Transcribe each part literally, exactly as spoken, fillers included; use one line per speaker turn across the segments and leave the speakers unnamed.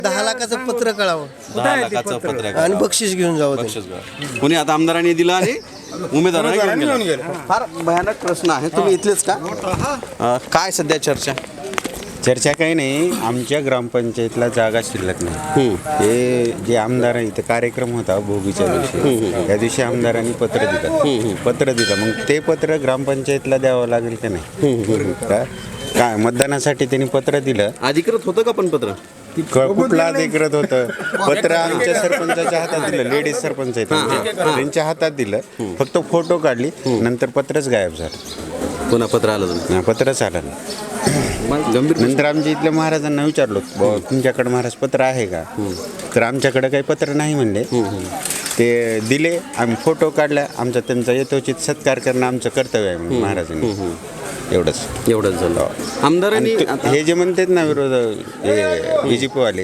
दहा लाखाचं पत्र कळावं
दहा लाखाचं पत्र
आणि बक्षीस घेऊन जावं ते.
बक्षीस घ्या. कोणी आता आमदारांनी दिलं आणि उमेदवारांनी घेऊन गेलं. फार भयानक प्रश्न आहे. तुम्ही इथलेच का? अं, काय सध्या चर्चा?
चर्चा काही नाही. आमच्या ग्रामपंचायतला जागा शिल्लक नाही. हे जे आमदार इथं कार्यक्रम होता भोगीच्या दिवशी, त्या दिवशी आमदारांनी पत्र दिलं पत्र दिलं मग ते पत्र ग्रामपंचायतला द्यावं लागेल का नाही? का काय मतदानासाठी त्यांनी पत्र दिलं.
अधिकृत होतं का पण पत्र?
क- कुठला अधिकृत होतं पत्र? आमच्या सरपंचाच्या हातात दिलं. लेडीज सरपंच आहेत आमचे. त्यांच्या हातात दिलं. फक्त फोटो काढली, नंतर पत्रच गायब झालं.
पुन्हा पत्र आलं तुम्ही?
नाही, पत्रच आलं नाही.
गंभीर
नंतर आमच्या इथल्या महाराजांना विचारलो, बाबा तुमच्याकडे महाराज पत्र आहे का? तर आमच्याकडे काही पत्र नाही म्हणले. ते दिले, आम्ही फोटो काढला. आमचा त्यांचा यथोचित सत्कार करणं आमचं कर्तव्य आहे म्हणून महाराजांनी. एवढंच
एवढंच झालं. आमदारांनी
आणि तो- हे जे म्हणतात ना विरोध बी जे पीवाले,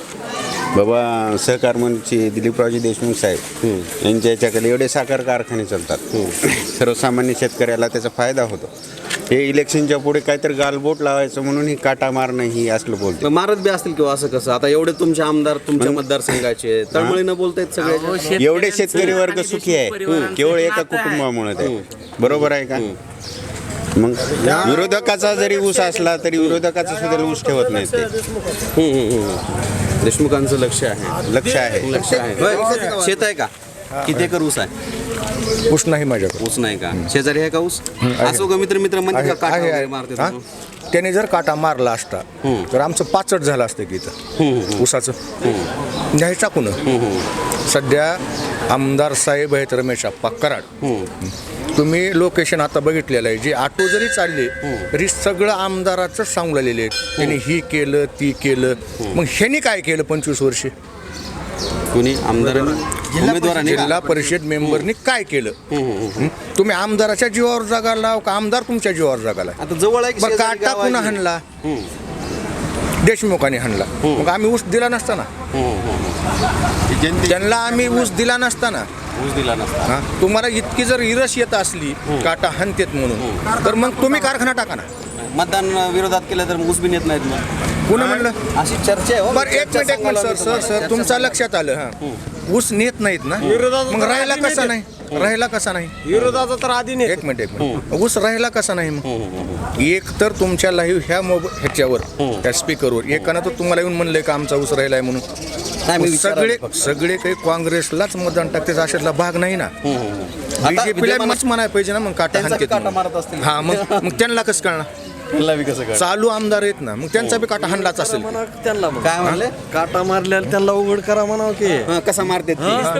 बाबा सहकार मंत्री दिलीपरावजी देशमुख साहेब यांच्या याच्याकडे एवढे साखर कारखाने चालतात, सर्वसामान्य शेतकऱ्याला त्याचा फायदा होतो. हे इलेक्शनच्या पुढे काहीतरी गालबोट लावायचं म्हणून ही काटा मारणं ही असलं बोलते.
मारत बी असतील किंवा असं कसं? आता एवढे तुमचे आमदार तुमच्या मतदारसंघाचे तळमळीनं बोलतायत सगळे.
एवढे शेतकरी वर्ग सुखी आहे केवळ एका कुटुंबामुळे ते. बरोबर आहे का? मग विरोधकाचा जरी ऊस असला तरी विरोधकाचा सुद्धा ऊस ठेवत नाही ते.
देशमुखांचं लक्ष आहे.
लक्ष आहे.
लक्ष आहे. होय. शेत आहे का? किती एकर ऊस आहे?
ऊस नाही माझ्याकडे.
ऊस नाही का? शेजारी आहे का ऊस? असो का मित्र मित्र म्हणते का काटा वगैरे मारते
हा?
तुम्ही?
त्याने जर काटा मारला असता तर आमचं पाचट झालं असतं की इथं ऊसाचं. न्यायचा कुण? सध्या आमदार साहेब आहेत रमेश आप्पा कराड. तुम्ही लोकेशन आता बघितलेलं आहे. जे ऑटो जरी चालले तरी सगळं आमदाराचं सांगू लागलेले आहेत. त्यांनी ही केलं ती केलं. मग ह्यांनी काय केलं पंचवीस वर्षे?
कुणी आमदारांनी उमेदवारांनी का?
जिल्हा परिषद मेंबरनी काय केलं? हं? तुम्ही आमदाराच्या जीवावर जगाला का आमदार तुमच्या जीवावर जगाला?
आता जवळ आहे की
बरं,
शेजारी
काटा
गाव
पुन्हा
आहे?
हाणला देशमुखाने हाणला. मग आम्ही ऊस दिला नसताना त्यांना आम्ही ऊस दिला नसताना
ऊस दिला नसता.
हा? तुम्हाला इतकी जर इरस येत असली काटा हाणतेत म्हणून तर मग तुम्ही कारखाना टाका ना.
मतदान विरोधात केलं तर ऊस बी नेत नाहीत मग.
पुन्हा म्हणलं
अशी चर्चा आहे हो.
बरं एक
चर्चा
मिनिट एक मिनिट सर
सांगायला
सर सर तुमच्या लक्षात आलं हा ऊस नेत नाहीत ना मग राहायला कसा नाही? राहायला कसा नाही?
विरोधाचा तर आधी नाही.
एक मिनिट एक मिनिट ऊस राहिला कसा नाही? मग एक तर तुमच्या लाईव्ह ह्या मोबाईल ह्याच्यावर त्या स्पीकरवर एकानं तर तुम्हाला येऊन म्हणलंय का आमचा ऊस राहिलाय म्हणून?
नाही, मी
सगळे
विचारायला फक्त.
सगळे काही काँग्रेसलाच मतदान टाकते अशातला भाग नाही ना.
आता
बीजेपीला
विद्यमान-
मच म्हणायला पाहिजे ना मग काटा
त्यांचा बी
हाणतेत
काटा
म्हणून.
मारत असतील.
हा मग मग त्यांना कसं कळणार?
त्यांना बी कसं कळलं?
चालू आमदार आहेत ना मग त्यांचा बी काटा हाणलाच असेल.
त्यांना
काय म्हणले?
काटा मारल्याला त्यांना उघड करा म्हणावं की
हा, कसा मारते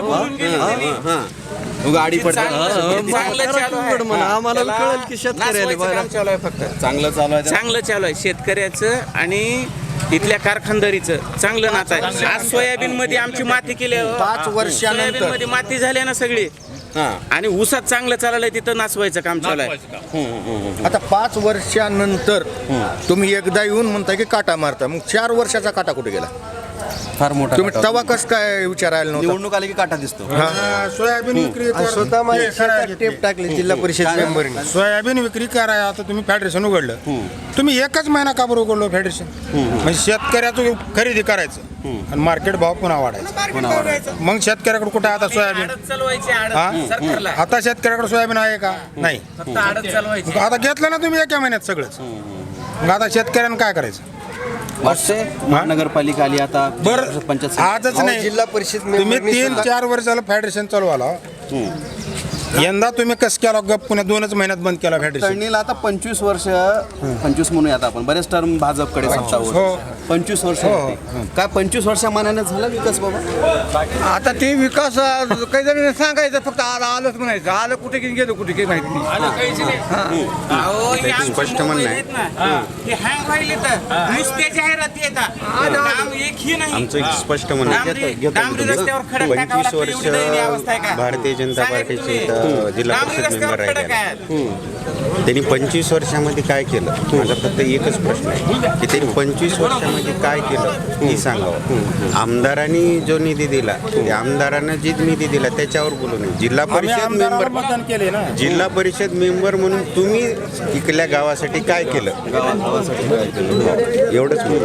गाडी पडते.
उघड म्हणा आम्हाला कळेल की शेतकऱ्याला बाहेर.
फक्त चांगलं चालू आहे.
चांगलं चालू आहे शेतकऱ्याचं आणि इथल्या कारखानदारीचं चांगलं नातं आहे. आज सोयाबीन मध्ये आमची माती केली
पाच वर्षानंतर.
सोयाबीन मध्ये माती झाली ना सगळी
हा.
आणि ऊसात चांगलं चाललंय तिथं नाचवायचं काम चालू आहे.
आता पाच वर्षानंतर तुम्ही एकदा येऊन म्हणता की काटा मारता मग चार वर्षाचा काटा कुठे गेला?
फार मोठा
तुम्ही
काटा.
तवा कस काय विचारायला नव्हता?
निवडणूक आली की काटा दिसतो.
सोयाबीन विक्री
आणि स्वतः माझ्या शेतात टेप टाकले जिल्हा परिषद मेंबरनी.
सोयाबीन विक्री कराय आता तुम्ही फेडरेशन उघडलं. तुम्ही एकच महिना का बरं उघडलं फेडरेशन? म्हणजे शेतकऱ्याचं खरेदी करायचं आणि मार्केट भाव पुन्हा वाढायचा. मग शेतकऱ्याकडे कुठे आता सोयाबीन?
आडत चालवायची
हा?
आडत सरकारला
आता शेतकऱ्याकडे सोयाबीन आहे का? नाही.
फक्त आडत चालवायची.
मग आता घेतलं ना तुम्ही एका महिन्यात सगळंच. मग आता शेतकऱ्यानं काय करायचं?
वाटते महानगरपालिका आली आता
बरं
पंचायत
आजच नाही.
जिल्हा परिषद
तुम्ही
मेंबरनी
तीन
सुद्धा-
चार वर्ष झालं फेडरेशन चालू आला. यंदा तुम्ही कस केला गप पुन्हा दोनच महिन्यात बंद केला फेडरेशन.
तळणीला आता पंचवीस वर्ष पंचवीस म्हणूया आता आपण बरेच टर्म भाजपकडे सत्ता
हो.
होती. पंचवीस वर्ष होती. काय पंचवीस वर्षा मानाने झाला विकास बाबा?
आता ते विकास अं, काही जण सांगायचं फक्त आलं आलंच म्हणायचं. आलं कुठे गेलं गेलं कुठे काही माहिती नाही.
आलं काहीच नाही. अहो, हे आमचे
स्पष्ट
मोबाईल
म्हणणं आहे.
आहेत ना, हे hang व्हायले तर नुसत्या जाहिराती येतात. काम एकही नाही.
आमचं एक स्पष्ट म्हणणं आहे.
डांबरी- डांबरी रस्त्यावर खडक टाकावं
पंचवीस
लागतं,
वर्ष
एवढी दयनीय अवस्था आहे का?
भारतीय जनता
सांगा की
पार्टीचे
तुम्ही.
इथं जिल्हा
डांबरी
परिषद
रस्त्यावर
मेंबर
खडक
आहे.
आहेत.
त्यांनी पंचवीस वर्षामध्ये काय केलं? माझा फक्त एकच प्रश्न आहे की त्यांनी पंचवीस वर्षामध्ये काय केलं हे सांगावं. आमदारांनी जो निधी दिला त्या आमदारांना जी निधी दिला त्याच्यावर बोलू नये. जिल्हा परिषद
आमदाराला
मेंबर
मतदान केले ना.
जिल्हा परिषद मेंबर म्हणून तुम्ही इकल्या गावासाठी काय केलं एवढंच म्हणून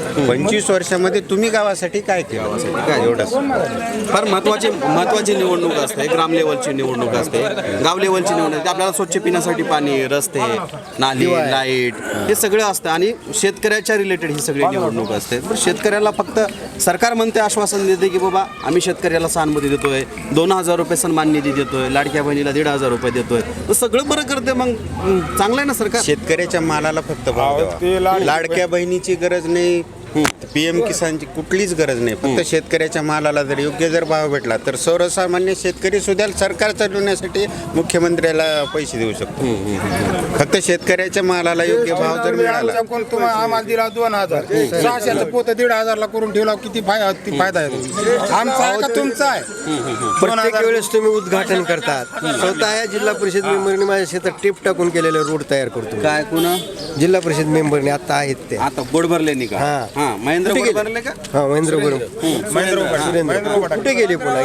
पंचवीस वर्षामध्ये तुम्ही गावासाठी काय केलं काय एवढंच
फार महत्वाची महत्वाची निवडणूक असते, ग्राम लेवलची निवडणूक असते, गाव लेवलची निवडणूक असते. आपल्याला स्वच्छ पिण्यासाठी पाणी, रस्ते, नाली, लाईट हे सगळं असतं आणि शेतकऱ्याच्या रिलेटेड ही सगळी निवडणूक असते. पण शेतकऱ्याला फक्त सरकार म्हणते, आश्वासन देते की बाबा आम्ही शेतकऱ्याला सहानुभूती देतोय, दोन हजार रुपये सन्मान निधी देतोय, लाडक्या बहिणीला दीड हजार रुपये देतोय, तर सगळं बरं करते. मग चांगलं आहे ना सरकार.
शेतकऱ्याच्या मालाला फक्त भाव द्यावा. लाडक्या बहिणीची गरज नाही, पी एम किसानची कुठलीच गरज नाही. फक्त शेतकऱ्याच्या मालाला जर योग्य जर भाव भेटला तर सर्वसामान्य शेतकरी सुद्धा सरकार चालवण्यासाठी मुख्यमंत्र्याला पैसे देऊ शकतो. फक्त शेतकऱ्याच्या मालाला योग्य भाव जर मिळाला.
कोण तुम्हाला आम्हाला दिला दोन हजार सहाशेचं पोतं दीड हजारला करून ठेवला, किती फायदा किती फायदा आहे आमचा आहे का तुमचा आहे?
प्रत्येक वेळेस तुम्ही उद्घाटन करतात. स्वतः या जिल्हा परिषद मेंबरने माझ्या शेतात टेप टाकून केलेले रोड तयार करतो.
काय कुणा
जिल्हा परिषद मेंबरने आता आहेत ते.
आता बोर्ड भरले नाही का?
हा.
हा महेंद्र बोर्ड भरले का?
हा महेंद्र गुरु
महेंद्र
कुठे गेले पुन्हा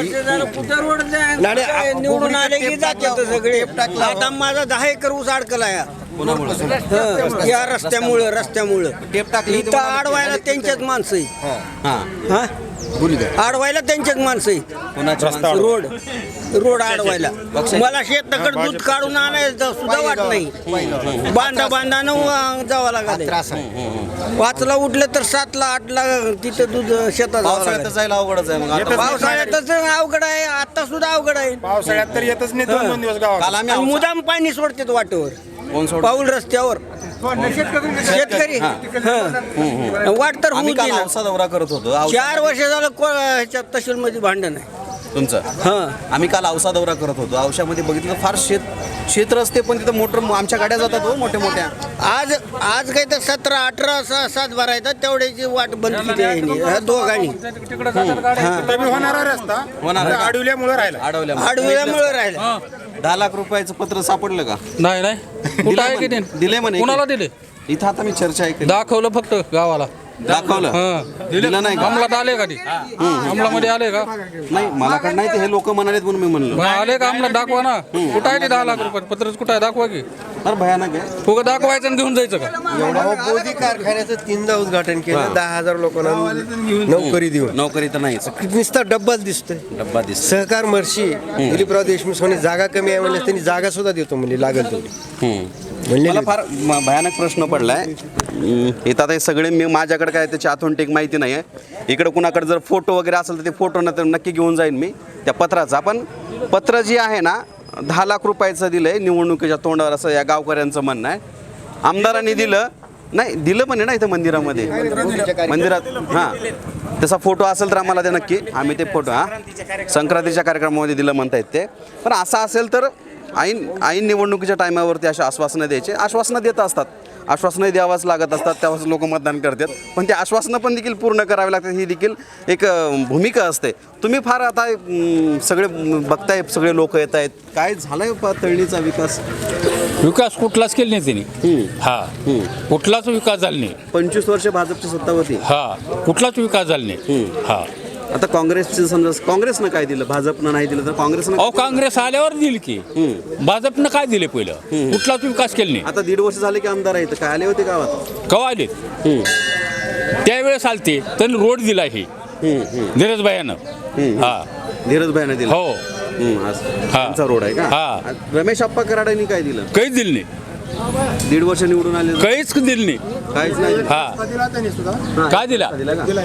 निवडून आले की जाते सगळे. आता माझा दहा एकर ऊस अडकला या
कोणामुळे?
या रस्त्यामुळं रस्त्यामुळं
टेप टाकली
इथं आडवायला त्यांच्याच माणसं आहे.
हा
हा
बोलू द्या.
आडवायला त्यांच्याच माणसं आहे.
कोणाच्या माणसाला?
रोड रोड आडवायला मला शेताकडे दूध काढून आणायचं सुद्धा वाट नाही. बांधा बांधानं जावं लागत. पाचला उठलं तर सातला आठला तिथं दूध शेतात जावं
पावसाळ्यात तर
लागत.
जायला अवघडच आहे. मग आता
पावसाळ्यातच अवघड आहे, आता सुद्धा अवघड आहे.
पावसाळ्यात तर येतच नाही दोन दोन दिवस गावात.
काल आम्ही
आणि
औसा-
मुदाम पाणी सोडतात वाटेवर,
कोण सोड-
पाऊल रस्त्यावर शेतकरी हं. वाट तर
आम्ही
होऊ
काल
दे ना.
औसा दौरा करत होतो. औसा-
चार वर्ष झालं को- ह्याच्यात तहसील मध्ये भांडण आहे.
तुमचं
हं.
आम्ही काल औसा दौरा करत होतो. औशामध्ये बघितलं फार शेत शेत रस्ते, पण तिथं मोटर आमच्या गाड्या जातात हो मोठ्या मोठ्या.
आज आज काही तर सतरा अठरा सा- सात बारा येतात तेवढ्याची वाट बंद केली आहे यांनी, ह्या दोघांनी.
तरी होणारा रस्ता
होणार आहे.
आडवल्यामुळे राहिला.
अडवल्या
आडव्यामुळे राहिलं.
दहा लाख रुपयाचं पत्र सापडलं का?
नाही नाही कुठं
दिलंय
आहे की
म्हणे.
नाही?
दिलंय म्हणे.
कुणाला दिले?
इथं आता मी चर्चा ऐकली.
दाखवलं फक्त गावाला.
दाखवलं
हं.
दिलं नाही का?
अंमलात आले का ती अंमलामध्ये आले का?
नाही मला कडे नाही ते हे लोक म्हणालेत म्हणून मी म्हणलो.
मग आले का अंमलात? दाखवा ना. कुठं आहे ते दहा लाख रुपये पत्रच कुठं आहे? दाखवा की.
फार भयानक आहे.
फुगं दाखवायचं आणि घेऊन जायचं का?
अहो, मोदी कारखान्याचं तीनदा उद्घाटन केलं. दहा हजार लोकांना नोकरी देऊन.
नोकरी तर नाहीच.
नुसता डब्बाच दिसतोय.
डब्बा दिस
सहकार मर्शी दिलीपराव देशमुख म्हणे जागा कमी आहे म्हणलं त्यांनी जागा सुद्धा देतो म्हणजे लागेल तेवढी म्हणले.
मला फार म- भयानक प्रश्न पडलाय. हम्म, इथं आता हे सगळे मी माझ्याकडे काय त्याची ऑथेंटिक माहिती नाही आहे. इकडे कुणाकडे जर फोटो वगैरे असेल तर ते फोटो न तर नक्की घेऊन जाईन मी त्या पत्राचा. पण पत्र जी आहे ना दहा लाख रुपयाचं दिलं आहे निवडणुकीच्या तोंडावर, असं या गावकऱ्यांचं म्हणणं आहे. आमदारांनी दिलं नाही, दिलं पण आहे ना इथं मंदिरामध्ये मंदिरात. हां तसा फोटो असेल तर आम्हाला ते नक्की आम्ही ते फोटो हां संक्रांतीच्या कार्यक्रमामध्ये दिलं म्हणतायत ते. पण असं असेल तर ऐन ऐन निवडणुकीच्या टायमावरती अशा आश्वासनं द्यायचे. आश्वासनं देत असतात, आश्वासनं द्यावाच लागत असतात, त्यावेळेस लोक मतदान करतात. पण ते आश्वासनं पण देखील पूर्ण करावी लागतात, ही देखील एक अं, भूमिका असते. तुम्ही फार आता अं, सगळे बघताय, सगळे लोक येत आहेत. काय झालंय प- तळणीचा विकास?
विकास कुठलाच केला नाही त्यांनी. हा कुठलाच विकास झाला नाही.
पंचवीस वर्ष भाजपची सत्ता होती.
हा कुठलाच विकास झाला नाही. हा
आता काँग्रेसचे समजा काँग्रेसनं काय दिलं, भाजपनं नाही दिलं तर काँग्रेसनं
अहो काँग्रेस आल्यावर दिली की. भाजपनं काय दिले पहिलं? कुठलाच विकास केला नाही.
आता दीड वर्ष झाले की आमदार आहेत, काय आले होते गावात?
कवा आले? त्यावेळेस आलते त्यांनी रोड दिला हे धीरजभाईनं. हा
धीरज भाईनं दिलं.
हो
हम्म, असं.
हा.
त्यांचा रोड आहे का?
हा.
रमेश आप्पा कराडांनी काय दिलं?
काहीच दिलं नाही.
दीड वर्ष निवडून आले
काहीच दिलं नाही.
काहीच नाही.
हा
दिला त्यांनी सुद्धा
काय दिला?
दिला का?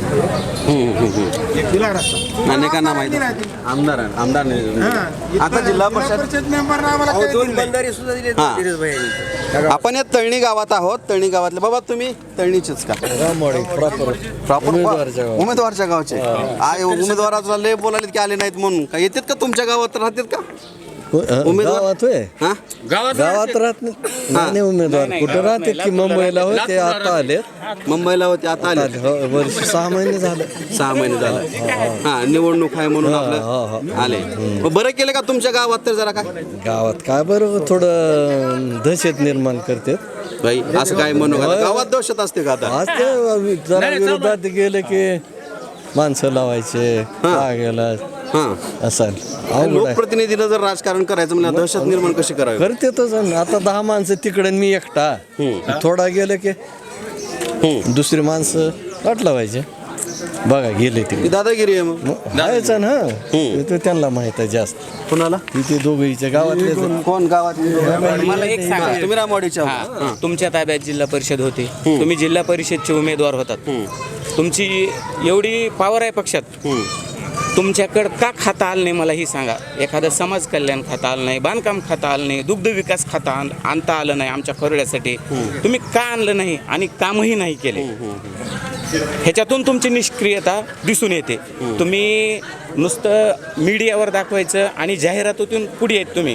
दिला रस्ता.
अनेकांना माहिती आमदार आमदार नाही. आता जिल्हा परिषद
परिषद मेंबरनं आम्हाला काही
दोन
दिलं नाही.
बंधारे सुद्धा दिले
हा.
धीरजभाई यांनी.
आपण या तळणी गावात आहोत. तळणी गावातले बाबा तुम्ही तळणीचेच का? प्रॉपर
उमेदवारच्या गावात.
उमेदवारच्या गावचे. आय उमेदवाराला लय बोलायले की आले नाहीत म्हणून का येतात का तुमच्या गावात राहतात का उमेदवार?
गावात होय
हा
गावात
गावात राहत नाही. नाही उमेदवार कुठं राहते की मुंबईला होते आता आले
मुंबईला होते आता आले.
हो, वर्ष सहा महिने झालं.
सहा महिने झाले. हा निवडणूक आहे म्हणून आपलं आले. मग बरं केलं का तुमच्या गावात तर जरा काय
गावात काय बरं थोडं दहशत निर्माण करते.
भाई असं काय म्हणू नका. गावात दहशत असते का आता?
आज ते जरा विरोधात गेले की माणसं लावायचे का गेला
हा
असं अवघड आहे.
लोकप्रतिनिधीला जर राजकारण करायचं म्हणजे दहशत निर्माण कशी करावी?
करतेच आता दहा माणसं तिकडे मी एकटा थोडा गेलं की दुसरी माणसं वाट लावायचे बघा गेले
ती दादागिरी आहे मग
आहेच ना ते त्यांना माहित आहे जास्त
कुणाला
तिथे दोघीच्या गावातले
कोण गावात
मला एक सांगा
तुम्ही रामवाडीच्या
हा, तुमच्या ताब्यात जिल्हा परिषद होती तुम्ही जिल्हा परिषदचे उमेदवार होतात तुमची एवढी पॉवर आहे पक्षात तुमच्याकडं का खाता आलं नाही मला ही सांगा. एखादं समाज कल्याण खाता आलं नाही, बांधकाम खाता आलं नाही, दुग्ध विकास खाता आण- आणता आलं नाही आमच्या खरोड्यासाठी. तुम्ही का आणलं नाही आणि कामही नाही केले. ह्याच्यातून तुमची निष्क्रियता दिसून येते. तुम्ही नुसतं मीडियावर दाखवायचं आणि जाहिरातीतून पुढे येत तुम्ही,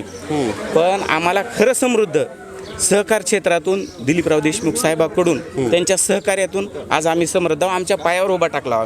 पण आम्हाला खरं समृद्ध सहकार क्षेत्रातून दिलीपराव देशमुख साहेबाकडून त्यांच्या सहकार्यातून आज आम्ही समृद्ध आमच्या पायावर उभा टाकला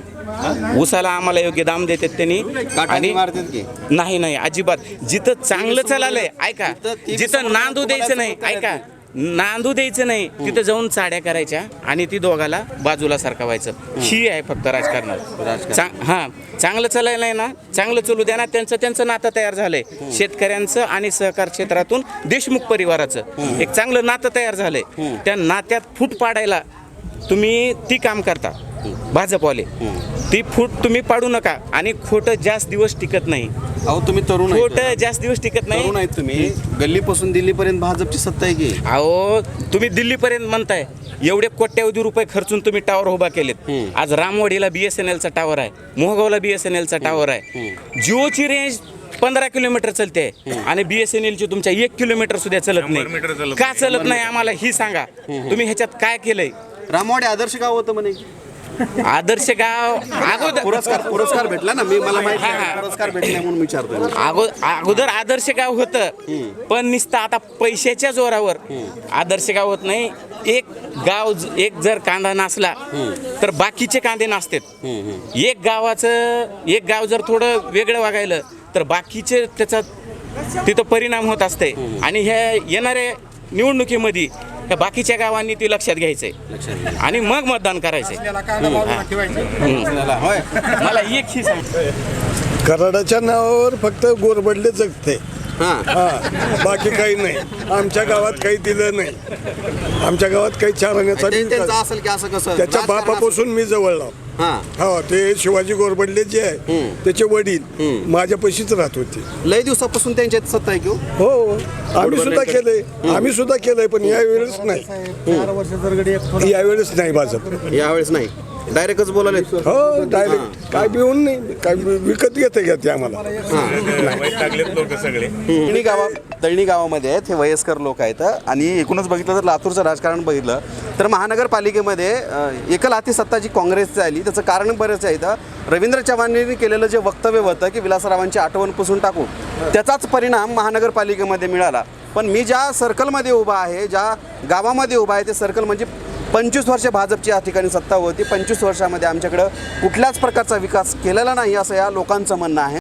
आम्ही. ऊसाला आम्हाला योग्य दाम देतात त्यांनी आणि नाही नाही अजिबात. जिथं चांगलं चाललंय ऐका, जिथं नांदू द्यायचं नाही ऐका नांदू द्यायचं नाही तिथं जाऊन चाड्या करायच्या आणि ती दोघाला बाजूला सरकवायचं. ही आहे फक्त राजकारणात. चांग हां चांगलं चालायला नाही ना, चांगलं चालू द्या ना. त्यांचं त्यांचं नातं तयार झालंय शेतकऱ्यांचं आणि सहकार क्षेत्रातून देशमुख परिवाराचं एक चांगलं नातं तयार झालंय. त्या नात्यात फूट पाडायला तुम्ही ती काम करता भाजपवाले. ती फूट तुम्ही पाडू नका. आणि खोटं जास्त दिवस टिकत नाही.
अहो तुम्ही तरुण आहेत.
खोटं जास्त दिवस टिकत नाही.
तरुण आहेत तुम्ही. गल्लीपासून दिल्लीपर्यंत भाजपची सत्ता आहे की.
अहो तुम्ही दिल्लीपर्यंत म्हणताय, एवढे कोट्यावधी रुपये खर्चून तुम्ही टावर उभा केलेत. आज रामवाडीला बीएसएनएलचा टावर आहे, मोहगावला बीएसएनएलचा टावर आहे. जिओची रेंज पंधरा किलोमीटर चालते आणि बीएसएनएलची तुमच्या एक किलोमीटर सुद्धा चलत नाही. का चलत नाही आम्हाला ही सांगा. तुम्ही ह्याच्यात काय केलंय.
रामवाडी आदर्श गाव होतं म्हणे.
आदर्श गाव अगोदर
पुरस्कार पुरस्कार भेटला ना. मी मला माहिती आहे पुरस्कार भेटला म्हणून विचारतोय.
अगो- अगोदर आदर्श गाव होतं, पण नुसतं आता पैशाच्या जोरावर आदर्श गाव होत नाही. एक गाव ज- एक जर कांदा नासला तर बाकीचे कांदे नासतात. एक गावाचं एक गाव जर थोडं वेगळं वागायलं तर बाकीचे त्याचा तिथं परिणाम होत असते. आणि ह्या येणाऱ्या निवडणुकीमध्ये त्या बाकीच्या गावांनी ती लक्षात घ्यायचंय आणि मग मतदान करायचंय. मला एक ही सांग,
कराडाच्या नावावर फक्त गोरबडले जगते. बाकी काही नाही. आमच्या गावात काही दिलं नाही. आमच्या गावात काही चारण्याचा
त्यांचं असेल की असं कसं
त्याच्या बापापासून मी जवळला. हो ते शिवाजी गोरबडले जे आहे त्याचे वडील माझ्या पैशीच राहत होते.
लय दिवसापासून त्यांच्या सत्ता आहे की.
हो आम्ही सुद्धा केलंय आम्ही सुद्धा केलंय पण यावेळेस नाही. यावेळेस नाही भाजप.
यावेळेस नाही. डायरेक्टच बोलाले.
हो डायरेक्ट काय बिऊन नाही काय विकत घेते घ्या ते आम्हाला.
तळणी गावा तळणी गावामध्ये आहेत हे वयस्कर लोक आहेत. आणि एकूणच बघितलं तर लातूरचं राजकारण बघितलं तर महानगरपालिकेमध्ये एकल हाती सत्ता जी काँग्रेसची आली त्याचं कारण बरेच आहे. रवींद्र चव्हाणांनी केलेलं जे वक्तव्य होतं की विलासरावांची आठवण पुसून टाकू त्याचाच परिणाम महानगरपालिकेमध्ये मिळाला. पण मी ज्या सर्कलमध्ये उभा आहे ज्या गावामध्ये उभा आहे ते सर्कल म्हणजे पंचवीस वर्ष भाजपची या ठिकाणी सत्ता होती. पंचवीस वर्षामध्ये आमच्याकडं कुठल्याच प्रकारचा विकास केलेला नाही असं या लोकांचं म्हणणं आहे.